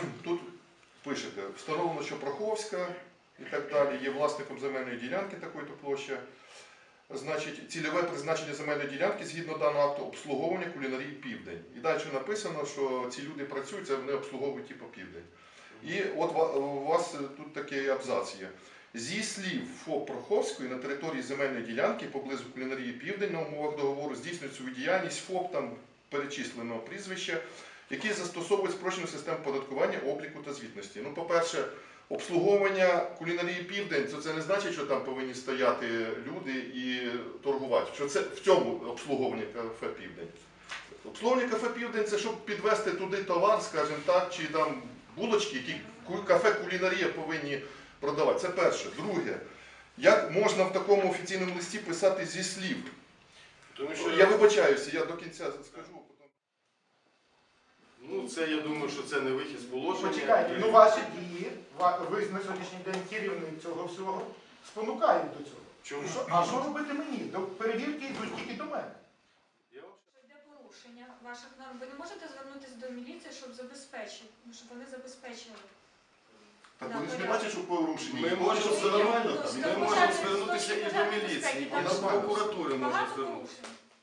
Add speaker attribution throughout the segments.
Speaker 1: тут пишете, встановлено, що Проховська і так далі є власником земельної ділянки такої-то площі. Значить, цільове призначення земельної ділянки згідно даного акту обслуговування кулінарії Південь. І далі написано, що ці люди працюють, це вони обслуговують типу Південь. І от у вас тут такий абзац є. Зі слів ФОП Проховської на території земельної ділянки поблизу кулінарії Південь на умовах договору здійснюють свою діяльність ФОП там перечисленого прізвища, які застосовують спрощену систему податкування, обліку та звітності. Ну, по-перше, обслуговування кулінарії Південь, це не значить, що там повинні стояти люди і торгувати. Що це в цьому обслуговування кафе Південь. Обслуговування кафе Південь – це щоб підвести туди товар, скажімо так, чи там булочки, які кафе кулінарія повинні продавати. Це перше. Друге, як можна в такому офіційному листі писати зі слів? Тому що я вибачаюся, я до кінця скажу.
Speaker 2: Ну, це, я думаю, що це не вихід з положення.
Speaker 3: Почекайте, ну ваші дії, ви на сьогоднішній день керівник цього всього, спонукають до цього.
Speaker 2: Чому?
Speaker 3: А що робити мені? До перевірки йдуть тільки до мене.
Speaker 4: Йде порушення ваших норм. Ви не можете звернутися до міліції, щоб забезпечити, щоб вони забезпечили.
Speaker 1: Так вони ж не бачать, що порушення.
Speaker 2: Ми можемо все нормально, ми можемо звернутися і до міліції, і до прокуратури можемо звернутися.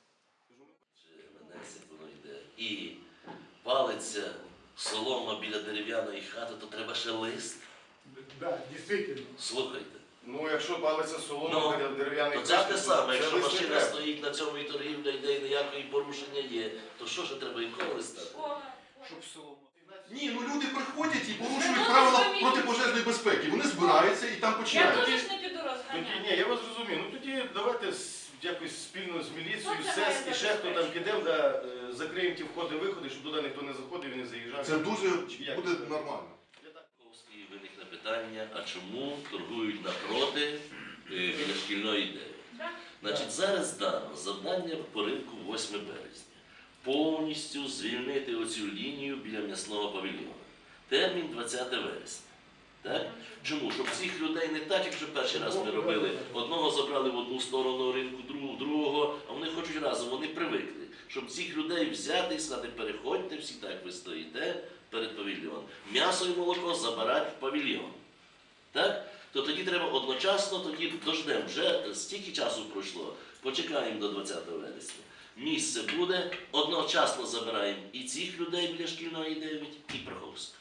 Speaker 5: Воно йде. І палиться солома біля дерев'яної хати, то треба ще лист.
Speaker 3: Так, дійсно.
Speaker 5: Слухайте.
Speaker 2: Ну, якщо палиться солома біля дерев'яної
Speaker 5: хати, то це те саме,
Speaker 2: це
Speaker 5: якщо
Speaker 2: лист не
Speaker 5: машина
Speaker 2: треба.
Speaker 5: стоїть на цьому і торгівля йде, і ніякої порушення є, то що ж треба якого листа?
Speaker 2: Щоб солома.
Speaker 1: Ні, ну люди приходять і порушують правила протипожежної безпеки. Вони збираються і там
Speaker 4: Я
Speaker 1: починають.
Speaker 4: теж не піду
Speaker 2: Тоді,
Speaker 4: розганяти.
Speaker 2: ні, я вас розумію. Ну тоді давайте якось спільно з міліцією,
Speaker 4: Ну, це
Speaker 2: СЕС і
Speaker 4: має
Speaker 2: ще хто там
Speaker 4: забезпечити.
Speaker 2: підемо, закриємо ті входи-виходи, щоб туди ніхто не заходив і не заїжджав.
Speaker 1: Це дуже
Speaker 2: Як
Speaker 1: буде
Speaker 2: це?
Speaker 1: нормально.
Speaker 5: Ковський виникне питання, а чому торгують напроти біля шкільної ідеї? Значить, зараз дано завдання по ринку 8 березня. Повністю звільнити оцю лінію біля м'ясного павільйону. Термін 20 вересня. Так? Чому? Щоб цих людей не так, як вже перший раз ми робили. Одного забрали в одну сторону ринку, другого в другого, а вони хочуть разом, вони привикли. Щоб цих людей взяти і сказати, переходьте всі так, ви стоїте перед павільйоном. М'ясо і молоко забирати в павільйон. Так? То тоді треба одночасно, тоді дождемо. Вже стільки часу пройшло, почекаємо до 20 вересня. Місце буде, одночасно забираємо і цих людей біля шкільної 9, і Проховська.